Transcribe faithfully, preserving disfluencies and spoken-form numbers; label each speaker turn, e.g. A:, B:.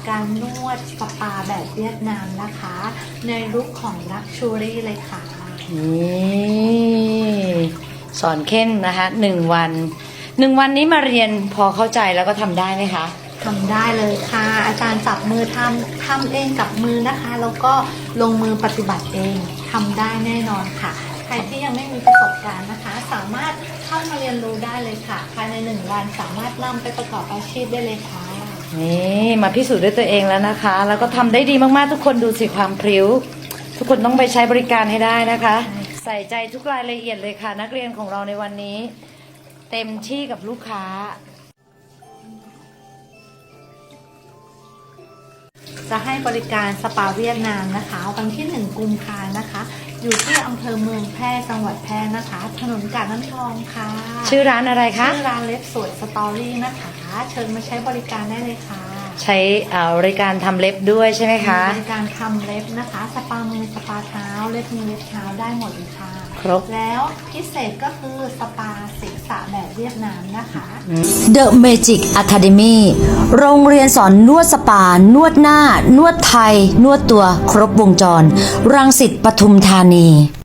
A: การนวดสปาแบบเวียดนามนะคะในลุคของลักชูรี่เลยค่ะ
B: นี่สอนเข้นนะคะหนึ่งวันหนึ่งวันนี้มาเรียนพอเข้าใจแล้วก็ทำได้ไหมคะ
A: ทำได้เลยค่ะอาจารย์จับมือทำทำเองกับมือนะคะแล้วก็ลงมือปฏิบัติเองทำได้แน่นอนค่ะใครที่ยังไม่มีประสบการณ์นะคะสามารถเข้ามาเรียนรู้ได้เลยค่ะภายในหนึ่งวันสามารถนำไปประกอบอาชีพได้เลยค่ะ
B: นี่มาพิสูจน์ด้วยตัวเองแล้วนะคะแล้วก็ทำได้ดีมากๆทุกคนดูสิความพริ้วทุกคนต้องไปใช้บริการให้ได้นะคะใส่ใจทุกรายละเอียดเลยค่ะนักเรียนของเราในวันนี้เต็มที่กับลูกค้า
A: จะให้บริการสปาเวียดนามนะคะวันที่หนึ่งกุมภานะคะอยู่ที่อำเภอเมืองแพร่จังหวัดแพร่นะคะถนนกาดน้ำทองค่ะ
B: ชื่อร้านอะไรคะ
A: ชื่อร้านเล็บสวยสตอรี่นะคะเชิญมาใช้บริการได้เลยค่ะ
B: ใช้บริการทำเล็บด้วยใช่ไหมคะ
A: บริการทำเล็บนะคะสปามือสปาเท้าเล็บมือเล็บเท้าได้หมดเลยค่ะ
B: ครบ
A: แล้วพิเศษก็คือสปาศีรษะแบบเวียดนามนะคะ
C: The Magic Academy โรงเรียนสอนนวดสปานวดหน้านวดไทยนวดตัวครบวงจรรังสิตปทุมธานี